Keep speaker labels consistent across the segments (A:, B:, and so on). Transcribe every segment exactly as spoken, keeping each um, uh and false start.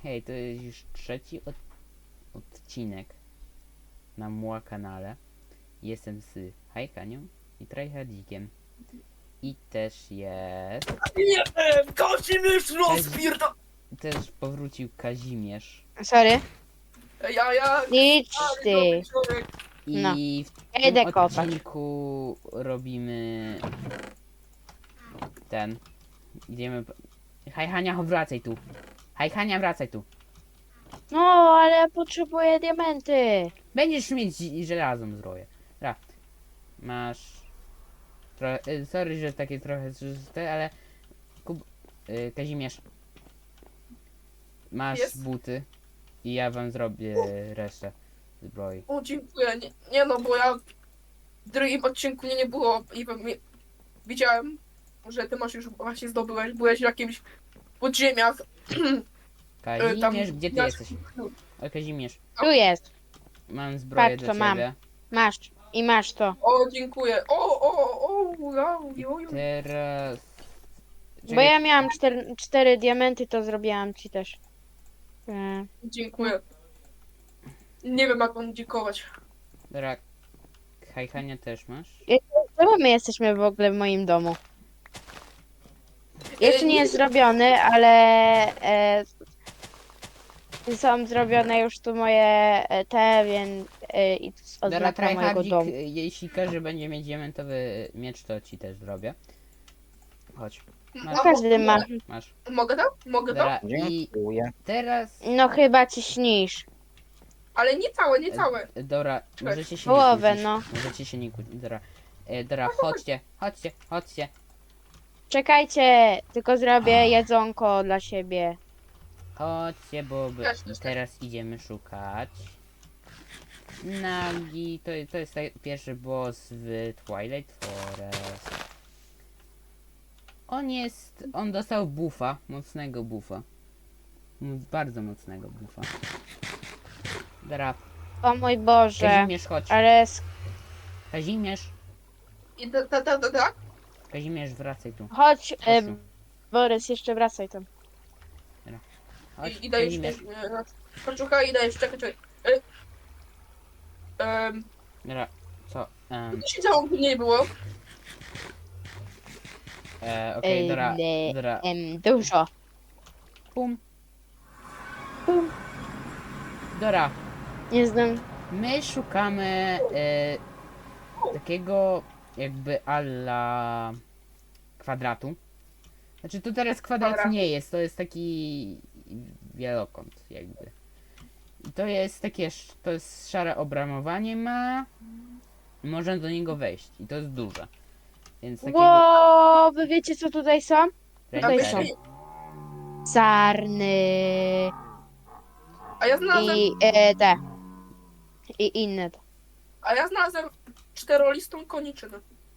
A: Hej, to jest już trzeci od odcinek na Muła kanale. Jestem z Hajkanią i Tryhardzikiem. I też jest...
B: Nie, Kazimierz rozpierda...
A: Też powrócił Kazimierz.
C: Sorry.
B: Ja, ja...
C: Idź
B: stary,
C: ty.
B: dobry człowiek.
C: No.
A: I w
C: Ja
A: tym
C: idę kopać.
A: odcinku robimy... Ten... Idziemy... Haj Hania, wracaj tu. Haj Hania, wracaj tu.
C: No, ale ja potrzebuję diamenty.
A: Będziesz mieć żelazną zbroję. Dobra. Masz... Trochę, y, sorry, że takie trochę zżyte, ale... Kub... Y, Kazimierz. Masz
B: Jest.
A: buty. I ja wam zrobię resztę zbroi.
B: O, dziękuję. Nie, nie no, bo ja w drugim odcinku mnie nie było i we mnie- widziałem, że ty masz już właśnie zdobyłeś, byłeś w jakimś podziemiach.
A: Kazimierz, gdzie ty
B: ja-
A: jesteś? O, Kazimierz.
C: Tu jest.
A: Mam zbroję
C: Patrz,
A: dla
C: co mam.
A: ciebie.
C: Masz. I masz to.
B: O, dziękuję. O, o, o, ja, jo, jo.
A: Teraz...
C: Bo
A: Czekaj,
C: ja miałam cztery, cztery diamenty, to zrobiłam ci też. E,
B: Dziękuję. Nie wiem, jak mam dziękować.
A: Dobra. Hajhania też masz?
C: Czemu my jesteśmy w ogóle w moim domu? Jeszcze nie jest zrobiony, ale e, są zrobione już tu moje e, te, więc e, i to jest
A: Dobra,
C: oznaka mojego
A: Tryhardzik,
C: domu.
A: jeśli każdy będzie mieć diamentowy miecz, to ci też zrobię. Chodź, Masz.
B: A,
C: Każdy
B: mo-
C: ma.
A: masz.
B: Mogę to? Mogę to?
A: Dobra, i
D: Dziękuję.
A: teraz...
C: No chyba ci śnisz.
B: Ale nie całe, nie całe.
A: E, Dobra, możecie się
C: Połowę,
A: nie kłócić.
C: no.
A: Możecie się nie kłócić. Dobra, e, dobra, chodźcie, chodźcie, chodźcie.
C: Czekajcie, tylko zrobię jedzonko dla siebie.
A: Chodźcie, bo by,
B: Ja się też-
A: teraz idziemy szukać. Nagi, to, to jest taj- pierwszy boss w Twilight Forest. On jest, on dostał buffa, mocnego buffa. Mm, Bardzo mocnego buffa. Dobra,
C: O mój Boże.
A: Kazimierz, chodź.
C: Ale s-
A: Kazimierz,
B: I ta, ta, ta, ta, ta.
A: Kazimierz, wracaj tu.
C: chodź, e,
A: Chodź tu.
C: Borys, jeszcze wracaj tam.
A: Chodź,
B: I, i dajesz
A: Kazimierz.
B: Poczuchaj i dajesz, czekaj, czekaj. E, um,
A: Dobra, co? Um,
B: co się działo, gdy nie było?
A: e, Okej,
C: Ej,
A: dobra,
C: le-
A: dobra.
C: Em, dużo.
A: Pum.
C: Pum.
A: Dobra,
C: Nie znam.
A: my szukamy e, takiego jakby alla kwadratu. Znaczy to teraz kwadrat
B: Dobra.
A: nie jest, to jest taki wielokąt jakby. I to jest takie, sz- to jest szare obramowanie ma. Można do niego wejść i to jest duże. Więc takiego...
C: Ło, wy wiecie co tutaj są? Tutaj
A: Rendery.
C: są. Sarny
B: A ja znalazłem,
C: i e, te. I inne.
B: a ja znalazłem czterolistą koniczynę.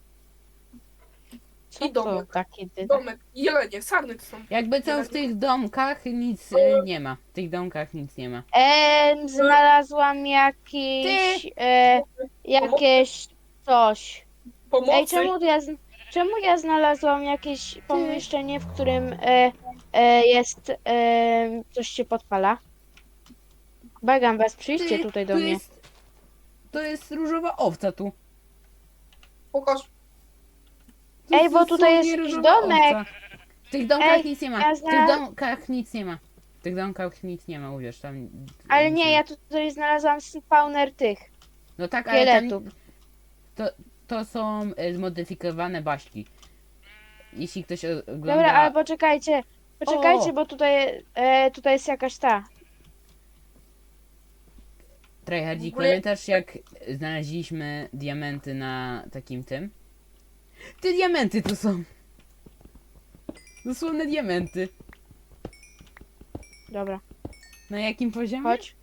C: Co
B: I
C: to
B: domek.
C: takie ty?
B: Domek, jelenie, sarny to są.
A: Jakby co w tych domkach nic e, nie ma. W tych domkach nic nie ma.
C: Em, znalazłam jakiś e, jakieś coś.
B: Pomocy.
C: Ej, czemu ja, z- czemu ja znalazłam jakieś pomieszczenie, w którym e, e, jest e, coś się podpala? Bagam was, przyjdźcie
A: Ty,
C: tutaj do
A: tu
C: mnie.
A: Jest, to jest różowa owca tu.
B: Pokaż.
A: To
C: Ej, bo
A: jest
C: tutaj jest
A: dosłownie
C: jakiś
A: różowa
C: domek.
A: owca. W tych domkach
C: Ej,
A: nic nie ma.
C: ja
A: W tych
C: zna-
A: domkach nic nie ma. W tych domkach nic nie ma, uwierz, tam...
C: Ale
A: nic
C: nie,
A: ma.
C: ja tutaj znalazłam spawner tych.
A: No tak, ale tam...
C: szkieletów.
A: To, to są e, zmodyfikowane baśki. Jeśli ktoś o- ogląda...
C: Dobra, ale poczekajcie. Poczekajcie,
A: O!
C: bo tutaj, e, tutaj jest jakaś ta.
A: Tryhardzik,
B: W ogóle-
A: pamiętasz jak znaleźliśmy diamenty na takim tym? Te diamenty tu są! Dosłowne diamenty.
C: Dobra,
A: Na jakim poziomie?
C: chodź.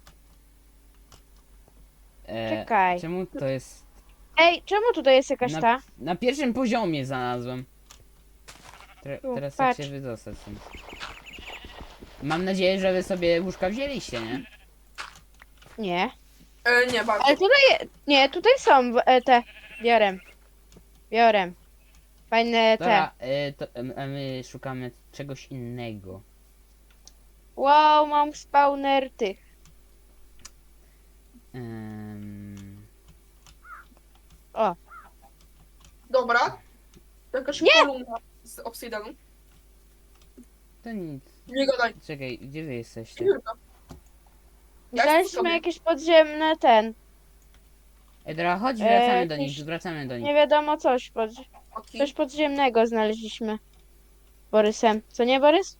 A: E,
C: Czekaj.
A: Czemu to jest...
C: Ej, czemu tutaj jest jakaś
A: Na,
C: ta?
A: na pierwszym poziomie znalazłem. Tre,
C: Tu,
A: teraz
C: patrz.
A: jak się wydostać stąd. Mam nadzieję, że wy sobie łóżka wzięliście, nie?
C: Nie.
B: E, nie bardzo.
C: Ale tutaj, nie, tutaj są e, te. Biorę. Biorę. Fajne te.
A: Dobra, e, to, e, a my szukamy czegoś innego.
C: Wow, mam spawner tych.
A: Em,
C: O,
B: Dobra. Jakaś
C: Nie!
B: kolumna z obsydianu.
A: to nic.
B: Nie gadaj.
A: Czekaj, gdzie wy jesteście?
B: Kilka. Ja jestem
C: znaleźliśmy
B: sobie.
C: jakieś podziemne ten.
A: Ej, dobra, chodź,
C: E,
A: wracamy do
C: jakieś-
A: nich, wracamy do nich.
C: Nie wiadomo coś. Pod...
B: Oki.
C: Coś podziemnego znaleźliśmy. Borysem. Co nie, Borys?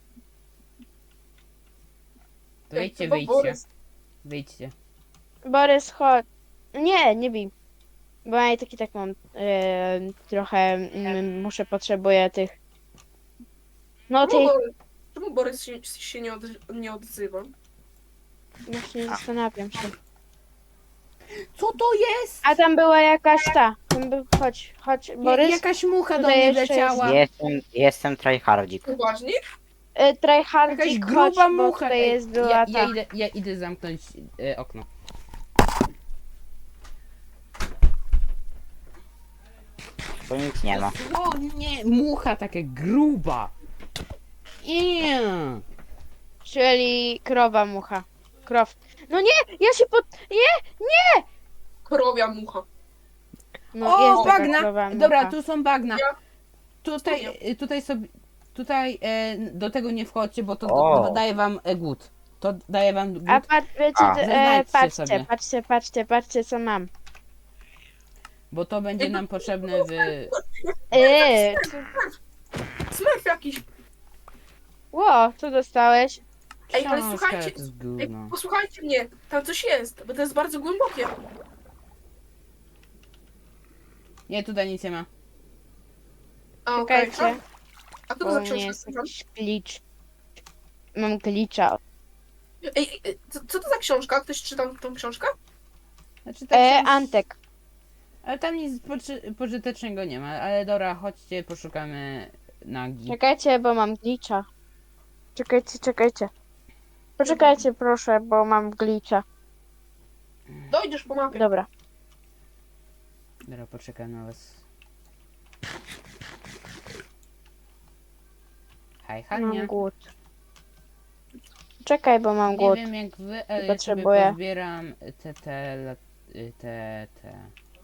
A: To wyjdźcie,
B: Chyba
A: wyjdźcie.
B: Borys.
A: Wyjdźcie.
C: Borys, chodź. Nie, nie bij. Bo ja i tak i tak mam e, trochę, mm, muszę, potrzebuję tych. No
B: Czemu
C: tych,
B: Borys, czemu Borys się, się nie, od, nie odzywa?
C: właśnie zastanawiam się.
A: Co to jest?
C: A tam była jakaś ta. Tam był, chodź, chodź,
A: Ja,
C: Borys.
A: jakaś mucha do
C: Tutaj
A: mnie
C: jeszcze
A: wleciała.
D: Jestem, jestem tryhardzik.
B: Poważnie?
C: E,
A: Jakaś
C: Tryhardzik, chodź,
A: gruba
C: bo
A: mucha.
C: tutaj
A: Ej,
C: jest była
A: ja,
C: ta.
A: ja, idę, ja idę zamknąć e, okno.
D: Tu nic nie ma.
A: O nie, mucha taka gruba. Eee.
C: Czyli krowa mucha. Krow. No nie, ja się pod... Nie!
B: Krowia mucha.
C: No
A: O,
C: jest taka
A: bagna!
C: krowa mucha.
A: Dobra, tu są bagna.
B: Ja-
A: Tutaj,
B: Studio.
A: y, tutaj sobie, tutaj e, do tego nie wchodźcie, bo to
D: O.
A: do, daje wam e, głód. To daje wam głód.
C: A patrz, wiecie,
D: A.
C: e,
A: Zaznaczcie
C: patrzcie,
A: sobie.
C: patrzcie, patrzcie, patrzcie, co mam.
A: Bo to będzie nam potrzebne w...
C: Eee,
B: Smurf jakiś.
C: ło, co dostałeś?
B: Ej, ale
A: Książka,
B: słuchajcie,
A: to jest
B: Ej,
A: gówno.
B: posłuchajcie mnie. Tam coś jest, bo to jest bardzo głębokie.
A: Nie, tutaj nic nie ma.
B: A, okej.
C: Czekajcie,
B: A co to
C: bo
B: za
C: u mnie
B: książka?
C: jest jakiś glitch. Mam glitcha.
B: Ej, ej, co, co to za książka? Ktoś czytał tą książkę?
A: Znaczy, ta
C: E,
A: książ-
C: Antek.
A: Ale tam nic poczy- pożytecznego nie ma, ale dobra, chodźcie, poszukamy nagi.
C: Czekajcie, bo mam glitcha. Czekajcie, czekajcie. Poczekajcie proszę, bo mam glitcha.
B: Dojdziesz po mapie.
C: Dobra.
A: Dobra, poczekam na was. Hej, Hania.
C: Mam głód. Czekaj, bo mam
A: Nie
C: głód.
A: wiem jak wy, ale ja sobie
C: Potrzebuję.
A: pozbieram te, te, lat- y, te, te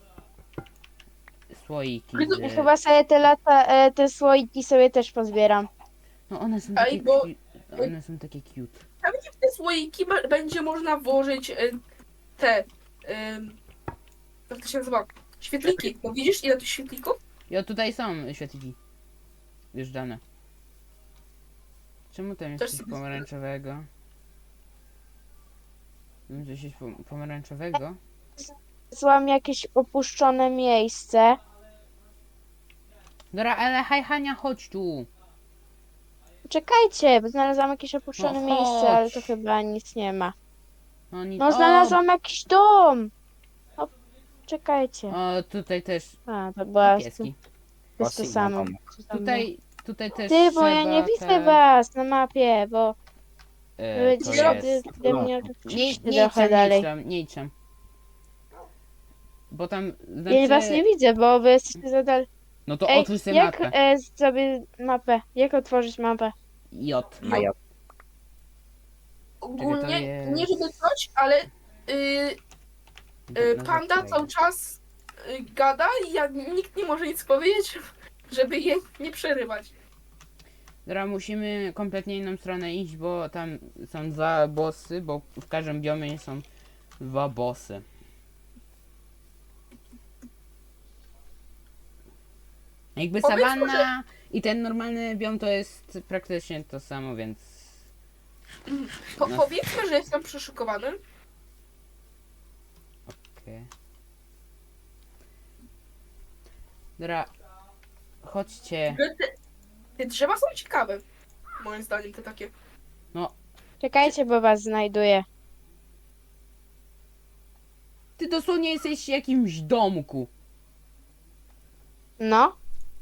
A: słoiki.
B: Widzę-
C: I
A: Z...
C: chyba sobie te lata, e, te słoiki sobie też pozbieram.
A: No one są
B: Ej,
A: takie,
B: bo-
A: cu- one są takie cute.
B: Pewnie w te słoiki be- będzie można włożyć y, te. Y, jak to się nazywa? Świetliki. No widzisz ile tych świetlików?
A: Jo, tutaj są świetliki. Już dane. Czemu tam jest
B: Też
A: coś
B: sobie
A: pomarańczowego? Tam coś jest pom- pomarańczowego?
C: Złam jakieś opuszczone miejsce.
A: Dobra, ale haj Hania, chodź tu.
C: Czekajcie, bo znalazłam jakieś opuszczone
A: No
C: miejsce, ale
A: chodź.
C: to chyba nic nie ma.
A: No, ni-
C: No znalazłam jakiś dom. No, czekajcie.
A: O, o, tutaj też
C: A, to była, to
A: pieski.
C: jest to
D: Osi,
C: samo.
D: no,
C: co tam
A: Tutaj, tutaj też
C: było. Ty, bo ja
A: trzeba
C: nie widzę
A: te,
C: was na mapie, bo
A: e,
C: wy
A: to
C: gdzieś
A: jest...
C: ode ode mnie
A: Nie,
C: odeszliście
A: nie
C: trochę
A: idź tam,
C: dalej.
A: nie idź tam, nie idź tam. Bo tam,
C: Ja was
A: znaczy...
C: nie widzę, bo wy jesteście za dalej.
A: No to
C: Ej,
A: otwórz sobie
C: jak
A: mapę.
C: e, sobie mapę? Jak otworzyć mapę?
A: J.
D: Na J.
B: Ogólnie,
A: jest-
B: nie żeby coś, ale y, y,
A: No,
B: panda
A: zaczekaj.
B: cały czas y, gada i ja, nikt nie może nic powiedzieć, żeby jej nie przerywać.
A: Dobra, musimy kompletnie inną stronę iść, bo tam są dwa bossy, bo w każdym biomie są dwa bossy. Jakby
B: Powiedzmy,
A: sawanna i ten normalny biom to jest praktycznie to samo, więc...
B: Po,
A: No.
B: Powiedzmy, że jestem przeszokowany.
A: Okej. Dobra, chodźcie.
B: Te, te drzewa są ciekawe. Moim zdaniem te takie.
C: Czekajcie, bo was znajduję.
A: Ty dosłownie jesteś w jakimś domku.
C: No.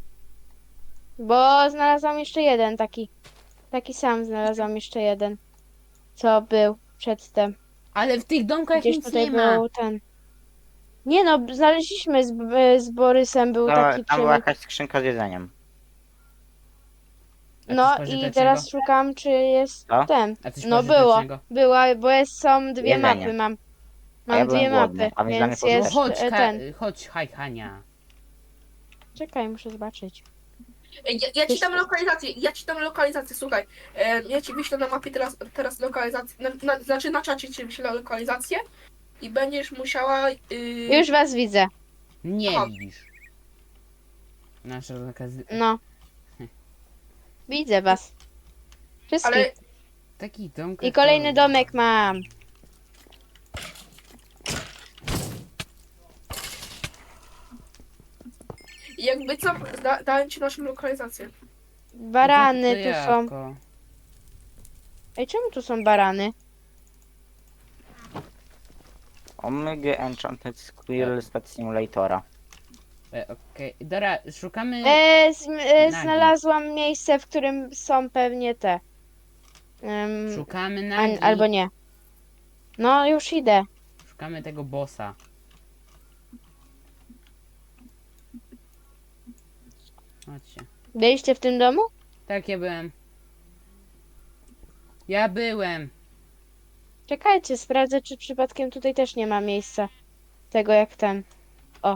C: Bo znalazłam jeszcze jeden taki. Taki sam znalazłam jeszcze jeden. Co był przedtem.
A: Ale w tych domkach
C: Gdzieś
A: nic
C: tutaj
A: nie ma.
C: był ten. Nie no, znaleźliśmy z, z Borysem, był
D: To,
C: taki
D: tam była
C: przemyt.
D: jakaś skrzynka z jedzeniem.
A: A
C: No
A: coś
C: i
A: pożytecznego?
C: teraz szukam, czy jest
D: Co?
C: ten.
A: A coś
C: No było,
A: pożytecznego?
C: była, bo jest, są dwie
D: Jedzenie.
C: mapy mam.
D: A ja
C: Mam
D: byłem
C: dwie
D: głodny,
C: mapy,
D: a więc dla mnie
C: więc
A: No
C: jest
A: chodź,
C: e,
A: Ka-
C: ten.
A: chodź, haj, Hania.
C: Czekaj, muszę zobaczyć.
B: Ej, Ja, ja ci
C: Wiesz-
B: dam lokalizację, ja ci dam lokalizację, słuchaj. E, ja ci wyślę na mapie teraz, teraz lokalizację, na, na, znaczy na czacie ci wyślę lokalizację i będziesz musiała... Yy,
C: Już was widzę.
A: Nie
B: Aha.
A: widzisz. Nasza zakazy...
C: No. Widzę was. Wszystkich.
B: ale
A: Taki dom.
C: I kolejny domek mam.
B: jakby co, da, dałem ci naszą lokalizację.
C: Barany tu są.
A: Jabłko.
C: Ej, czemu tu są barany?
D: Omega Enchanted Squirrel Pet Simulatora.
A: E, Okej, Dora, szukamy...
C: E, z, e,
A: Nagi.
C: znalazłam miejsce, w którym są pewnie te. em,
A: Szukamy
C: a,
A: nagi.
C: albo nie. No, już idę.
A: Szukamy tego bossa. Chodźcie.
C: Byliście w tym domu?
A: Tak, ja byłem. Ja byłem.
C: Czekajcie, sprawdzę, czy przypadkiem tutaj też nie ma miejsca. Tego jak ten. O.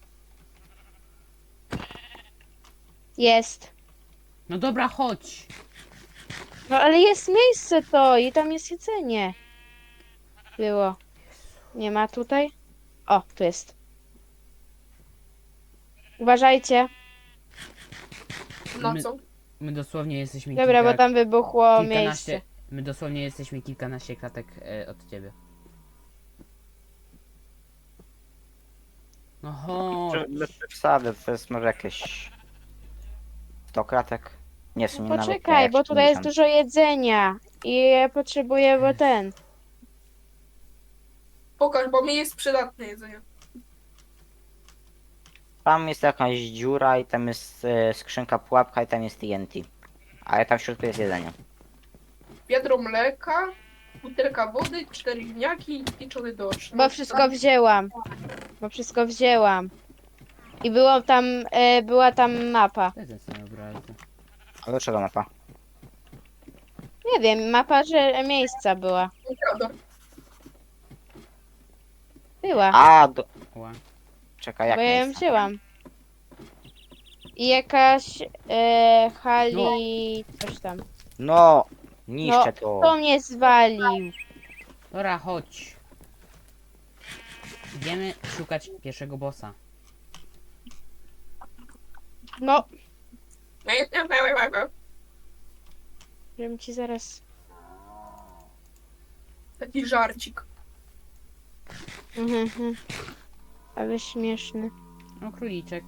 C: Jest.
A: No dobra, chodź.
C: No ale jest miejsce to i tam jest jedzenie. Było. Nie ma tutaj? O, tu jest. Uważajcie.
B: Na
A: My-
B: co?
A: My dosłownie jesteśmy
C: Dobra,
A: kilka,
C: bo tam wybuchło
A: kilkanaście...
C: miejsce.
A: My dosłownie jesteśmy kilkanaście klatek e, od ciebie. No chodź.
D: Bez przesady, to jest może jakieś sto kratek. Nie, w sumie nawet nie,
C: Poczekaj,
D: jak
C: bo tutaj jest
D: siedemdziesiąt.
C: dużo jedzenia. I ja potrzebuję, bo ten.
B: Pokaż, bo mi jest przydatne jedzenie.
D: Tam jest jakaś dziura i tam jest e, skrzynka pułapka i tam jest T N T. Ale tam w środku jest jedzenie.
B: Wiadro mleka, butelka wody, cztery ziemniaki i pieczony dorsz.
C: Bo wszystko wzięłam. Bo wszystko wzięłam. I było tam, e, była tam mapa.
A: To jest ten obraz.
D: A do czego mapa?
C: Nie wiem, mapa, że miejsca była.
B: Mikrofon.
C: Była.
D: A, do...
A: Ła.
D: Czekaj, jak
C: Bo ja ją
D: miejsce?
C: wzięłam. I jakaś e, hali... coś tam.
D: No, niszczę
C: No,
D: to.
C: To mnie zwalił.
A: Dobra, chodź. Idziemy szukać pierwszego bossa.
C: No, żebym ci zaraz...
B: Taki żarcik.
C: Mhm, mhm. Ale śmieszny.
A: No, króliczek.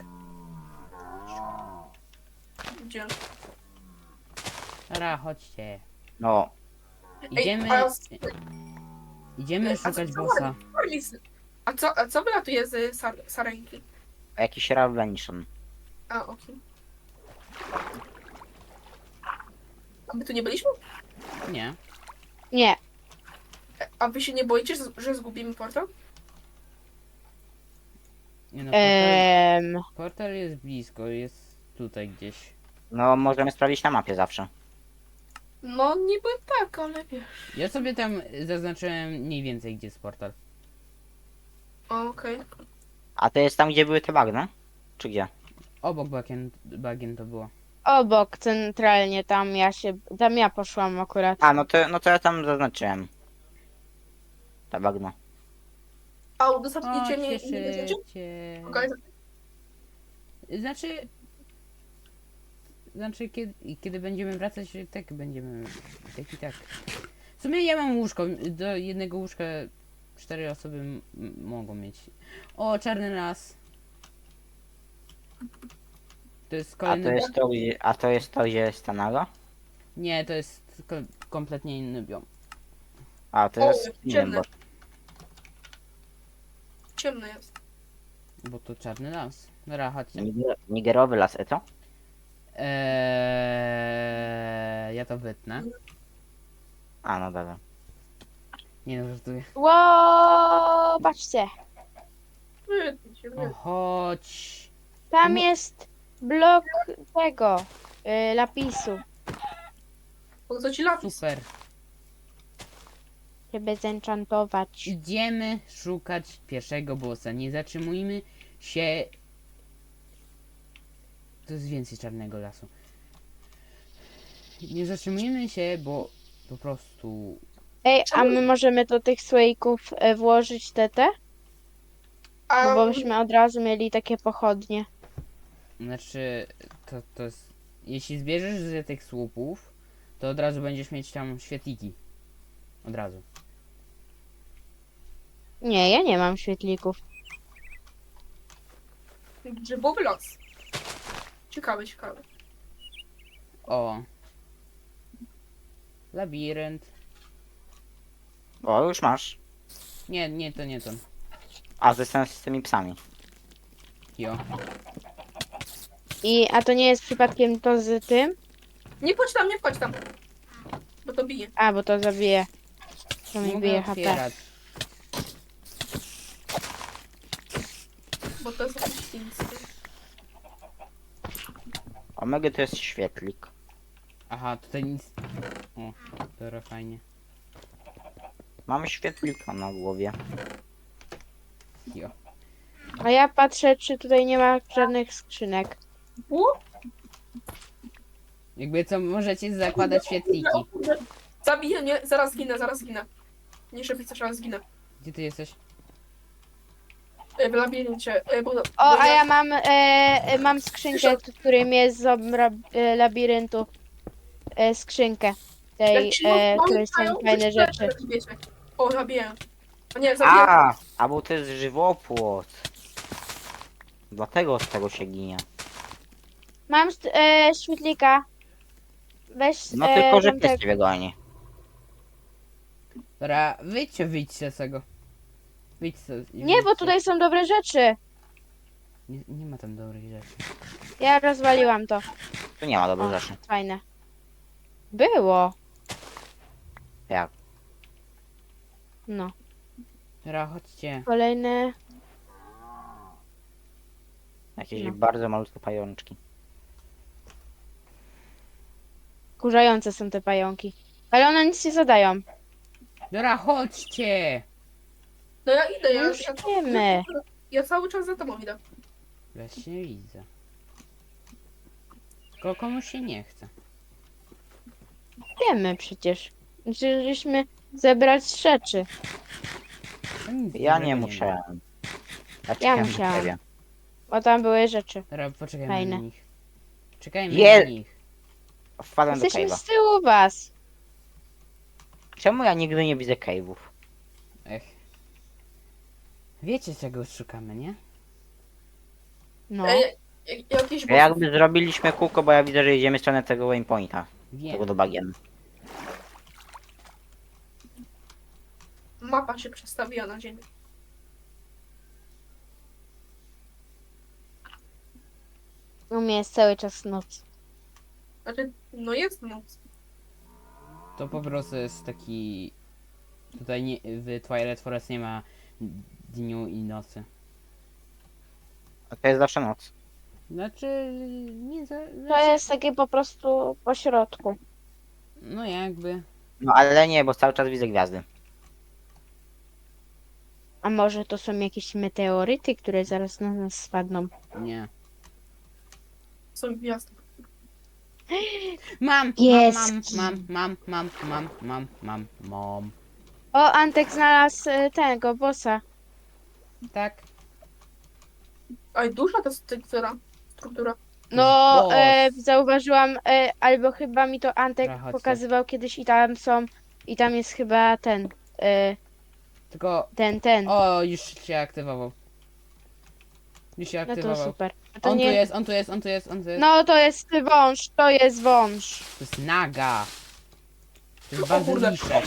B: Gdzie?
A: Dobra, chodźcie.
D: No,
A: Idziemy...
B: a-
A: Idziemy
B: a
A: szukać
B: co-
A: bossa.
B: A co, a co wylatuje z sar sarenki?
D: jakiś Ravention.
B: A, okej. A my tu nie byliśmy?
A: Nie.
C: Nie.
B: A wy się nie boicie, że- że zgubimy portal?
A: Nie no, portal,
C: Ehm,
A: portal jest blisko, jest tutaj gdzieś.
D: No, możemy sprawdzić na mapie zawsze.
B: No niby tak, ale wiesz.
A: Ja sobie tam zaznaczyłem mniej więcej gdzie jest portal.
B: O, Okej.
D: A to jest tam, gdzie były te bagna? Czy gdzie?
A: Obok bagien, bagien to było.
C: obok centralnie, tam ja się... Tam ja poszłam akurat.
D: A, no to, no to ja tam zaznaczyłem. Ta bagno.
B: A udostępnicie mnie
A: Chodźcie
B: nie będziecie?
A: szybciej.
B: Okej.
A: Znaczy... Znaczy, kiedy, kiedy będziemy wracać, tak będziemy... Tak i tak. W sumie ja mam łóżko. Do jednego łóżka cztery osoby m- m- mogą mieć. O, czarny las. To jest
D: A
A: kolejny...
D: to jest to, gdzie, a to jest to, gdzie jest ta naga?
A: Nie, to jest ko kompletnie inny biom.
D: A, to
B: O,
D: jest inny,
B: ciemne.
D: bo...
B: Ciemno jest.
A: Bo to czarny las. Dobra, chodźcie.
D: Niger, nigerowy las, e co?
A: Eee, ja to wytnę.
D: A, no dobra.
A: Nie no, żartuję.
C: Ło, patrzcie.
B: Wytnij się,
A: O,
B: wytnij.
A: chodź.
C: Tam
A: No.
C: jest blok tego, y, lapisu.
B: Po co ci lapis?
A: Super.
C: Żeby zenchantować.
A: Idziemy szukać pierwszego bossa. Nie zatrzymujmy się. To jest więcej czarnego lasu. Nie zatrzymujmy się, bo po prostu.
C: Ej, a my możemy do tych słoików e, włożyć te te?
B: A
C: No bo byśmy od razu mieli takie pochodnie.
A: Znaczy, to, to jest. Jeśli zbierzesz z tych słupów, to od razu będziesz mieć tam świetliki. Od razu.
C: Nie, ja nie mam świetlików.
B: grzybowy las. Ciekawe, ciekawe.
A: O. Labirynt.
D: O, już masz.
A: Nie, nie, to nie to.
D: A ze z tymi psami.
A: Jo.
C: I, a to nie jest przypadkiem to z tym?
B: Nie wchodź tam, nie wchodź tam. Bo to bije.
C: A, bo to zabije. To mi
A: Mogę
C: bije H P.
A: otwierać.
B: Bo to jest jakiś chiński.
D: Omega to jest świetlik.
A: Aha, tutaj nic. O, dobra, fajnie.
D: Mamy świetlika na głowie.
A: Jo.
C: A ja patrzę, czy tutaj nie ma żadnych skrzynek.
B: U?
A: Jakby co, możecie zakładać świetliki.
B: O kurde. Zabiję mnie, zaraz zginę, zaraz zginę. Nie szybciej, coś, ale zginę.
A: Gdzie ty jesteś?
B: E, W labiryncie. E, bo,
C: O,
B: bo
C: a ja mam, e, e, mam skrzynkę, w którym jest z obra, e, labiryntu. E, skrzynkę. Tej,
B: jak ci
C: e,
B: mało
C: której są
B: mają,
C: fajne
B: to
C: rzeczy.
B: wiecie. O, zabiję. O nie, zabiję.
D: A, a bo to jest żywopłot. Dlatego z tego się ginie.
C: Mam e, świetlika. Weź
D: No
C: e,
D: tylko, że
C: tam
D: pies
C: te-
D: ciebie goni.
A: Dobra, wyjdźcie, wyjdźcie z tego. Wyjdźcie. i
C: Nie, bo
A: wyjdźcie.
C: tutaj są dobre rzeczy.
A: Nie, nie ma tam dobrych rzeczy.
C: Ja rozwaliłam to.
D: Tu nie ma dobrych
C: O,
D: rzeczy.
C: fajne. Było.
D: Jak?
C: No.
A: Dobra, chodźcie.
C: Kolejne.
D: Jakieś
C: No.
D: bardzo malutkie pajączki.
C: Kurzające są te pająki. Ale one nic nie zadają.
A: Dobra, chodźcie!
B: No ja idę, ja,
C: No już
B: ja,
C: wiemy.
B: ja cały czas za tobą idę.
A: Właśnie widzę. Tylko komuś się nie chce.
C: Wiemy przecież. Musieliśmy zebrać rzeczy.
A: To nic
D: Ja
A: dobrego
D: nie
A: ma.
D: musiałem. Ja,
C: Ja
D: czekałem na
C: musiałam.
D: ciebie.
C: Bo tam były rzeczy.
A: Dobra, poczekajmy
C: Fajne.
A: na nich. Czekajmy
D: Je-
A: na nich.
D: Wpadłem do
C: Jesteśmy
D: cave'a.
C: z tyłu was.
D: Czemu ja nigdy nie widzę cave'ów?
A: Ech. Wiecie czego szukamy, nie?
C: No.
B: E, jak- jakieś
D: Ja jakby zrobiliśmy kółko, bo ja widzę, że idziemy w stronę tego waypointa.
A: Wiem.
D: Tego do bagien.
B: mapa się przestawiła na ziemię.
C: U mnie jest cały czas noc.
B: Znaczy, no jest noc.
A: To po prostu jest taki... Tutaj nie, w Twilight Forest nie ma dniu i nocy.
D: A to jest zawsze noc.
A: Znaczy... Nie za...
C: To
A: Znaczy,
C: jest takie po prostu po środku.
A: no jakby...
D: No ale nie, bo cały czas widzę gwiazdy.
C: A może to są jakieś meteoryty, które zaraz na nas spadną?
A: Nie.
B: Są gwiazdy.
A: Mam!
C: Pieski.
A: Mam, mam, mam, mam, mam, mam, mam, mam.
C: O, Antek znalazł e, tego bossa.
A: Tak.
B: Aj, duża ta struktura. struktura.
C: No,
A: Boss.
C: e, zauważyłam, e, albo chyba mi to Antek
A: Dobra, chodźcie.
C: pokazywał kiedyś i tam są, i tam jest chyba ten, e,
A: Tylko...
C: ten, ten.
A: O, już się aktywował. Już się
C: No to
A: aktywował.
C: super. A to
A: On tu
C: nie...
A: jest, on tu jest, on tu jest, on tu jest.
C: No, to jest wąż, to jest wąż.
A: To jest naga. To jest
B: O kurde.
A: bazyliszek.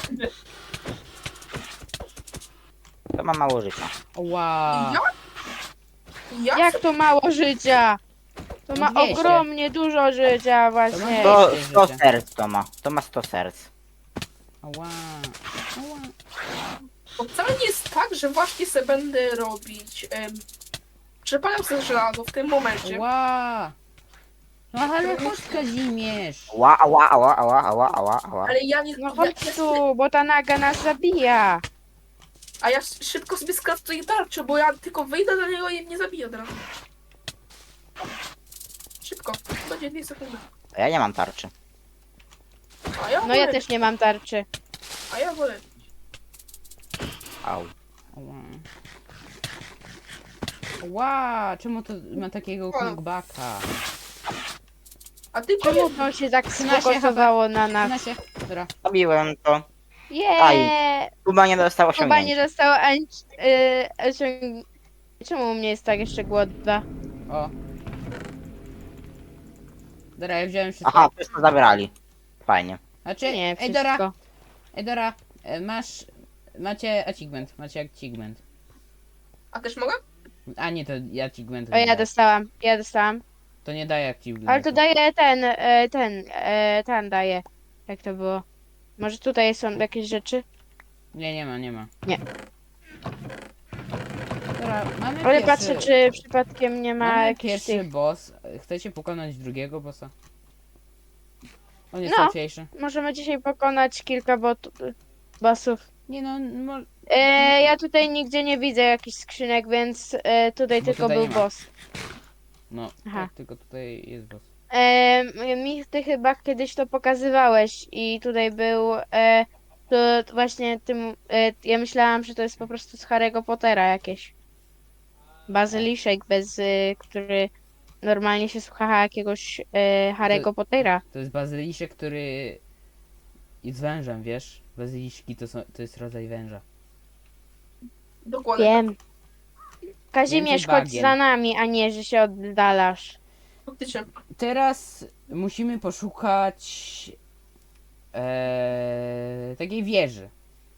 D: To ma mało życia.
A: Ła.
B: Jak? Jak?
C: Jak to mało życia? To
A: No
C: ma
A: dwieście.
C: ogromnie dużo życia właśnie.
A: To-
D: To
A: Ej,
D: sto
A: życie.
D: serc to ma. To ma sto serc.
A: Ła. Ła.
B: Bo wcale nie jest tak, że właśnie se będę robić. Um, Przepalam sobie żelazo w tym momencie.
A: Ła. No ale chodź Kazimierz.
D: Ła, ała, ała, ała, ała, ała, ała.
B: Ale ja nie...
C: No
B: ja,
C: chodź
B: ja,
C: tu, bo ta naga nas zabija.
B: a ja sz- szybko sobie skraftuję tarczę, bo ja tylko wyjdę do niego i mnie zabije od razu. Szybko, będzie dwie sekundy.
D: A ja nie mam tarczy.
B: A ja
C: No
B: wolę,
C: ja też nie mam tarczy.
B: A ja wolę.
D: Au.
A: Ła. Ła, czemu to ma takiego knockbacka?
B: A ty
C: Czemu
B: powiedz,
C: to się tak
A: Trzynaście
C: sfokusowało na nas?
A: Na się. Dobra.
D: Zabiłem to.
C: Jeee!
D: Kuba nie dostał
C: Chyba nie
D: osiągnięcia.
C: dostał ani... Yy, osiąg- Czemu u mnie jest tak jeszcze głodna?
A: O. Dobra, ja wziąłem wszystko.
D: Aha, wszystko zabrali. Fajnie.
A: Znaczy,
C: Nie,
A: ej Dora,
C: wszystko.
A: ej Dora, e, masz, macie achievement, macie achievement.
B: a też mogę?
A: A nie, to ja achievement.
C: O, ja dostałam, ja dostałam.
A: To nie daje achievement.
C: Ale to daje ten, e, ten, e, ten daje. Jak to było? Może tutaj są jakieś rzeczy?
A: Nie, nie ma, nie ma.
C: Nie.
A: Dobra, mamy
C: Ale
A: pierwszy,
C: patrzę, czy przypadkiem nie ma
A: mamy
C: jakichś
A: pierwszy
C: tych...
A: boss. Chcecie pokonać drugiego bossa? On jest
C: No.
A: łatwiejszy.
C: Możemy dzisiaj pokonać kilka bot... bossów.
A: Nie no, mo...
C: E, ja tutaj nigdzie nie widzę jakichś skrzynek, więc e, tutaj
A: Bo
C: tylko
A: tutaj
C: był
A: nie ma.
C: boss.
A: no
C: Aha.
A: tak, tylko tutaj jest boss.
C: E, mi ty chyba kiedyś to pokazywałeś i tutaj był e, to właśnie tym, e, ja myślałam, że to jest po prostu z Harry'ego Pottera jakieś. Bazyliszek bez, e, który normalnie się słucha jakiegoś e, Harry'ego Pottera.
A: To jest bazyliszek, który jest wężem, wiesz? Bazyliszki to, są, to jest rodzaj węża.
B: Dokładnie.
C: Wiem. Kazimierz,
A: Więcej
C: chodź
A: bagien.
C: za nami, a nie, że się oddalasz.
B: Faktycznie.
A: Teraz musimy poszukać e, takiej wieży.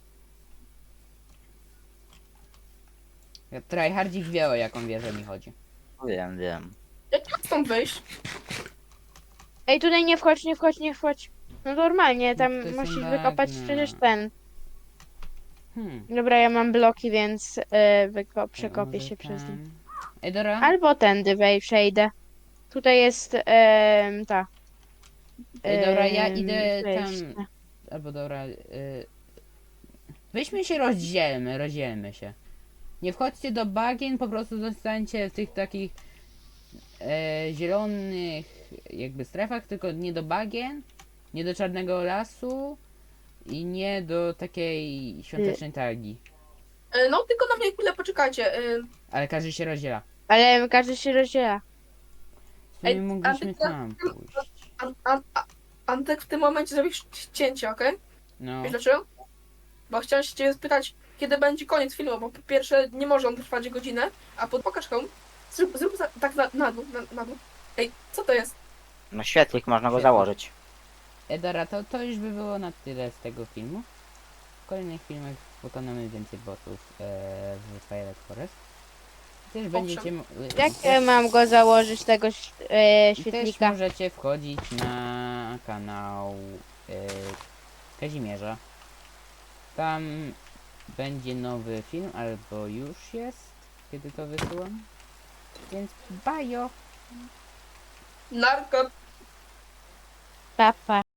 A: Ja tryhardzik wie, o jaką wieżę mi chodzi.
D: Wiem, wiem.
B: Jak mam stąd wyjść?
C: Ej, tutaj nie wchodź, nie wchodź, nie wchodź. No normalnie, tam
A: to są
C: musisz wykopać
A: bagna.
C: przecież ten.
A: Hmm.
C: Dobra, ja mam bloki, więc e, wyko- przekopię
A: Może
C: się przez nie.
A: tam- Ej, Dora?
C: Albo tędy wej przejdę. Tutaj jest em, ta.
A: Ej, dobra, ja
C: em,
A: idę
C: wejście.
A: tam. Albo dobra. Y... Weźmy się rozdzielmy, rozdzielmy się. Nie wchodźcie do bagien, po prostu zostańcie w tych takich e, zielonych jakby strefach, tylko nie do bagien, nie do czarnego lasu i nie do takiej świątecznej targi.
B: E, No tylko na mnie chwilę poczekajcie. E,
A: Ale każdy się rozdziela.
C: Ale każdy się rozdziela.
A: W sumie
B: Ej,
A: mogliśmy
B: a ty-
A: tam pójść.
B: An, an, a, Antek w tym momencie zrobisz cięcie, okej?
A: No.
B: Wiesz dlaczego? Bo chciałem się ciebie spytać, kiedy będzie koniec filmu, bo po pierwsze nie może on trwać godzinę, a po pokaż komu. Zrób, zrób za, tak na, na dół, na, na dół. Ej, co to jest?
D: No świetlik, można go
A: Świetlik.
D: założyć.
A: Edara, to, to już by było na tyle z tego filmu. W kolejnych filmach pokonamy więcej bossów e, w Twilight Forest. Też będziecie mo-
C: Jak
A: też,
C: ja mam go założyć, tego ś- e,
A: i też
C: świetlika?
A: możecie wchodzić na kanał e, Kazimierza. Tam będzie nowy film, albo już jest, kiedy to wysyłam. Więc bajo!
B: Narko.
C: Papa.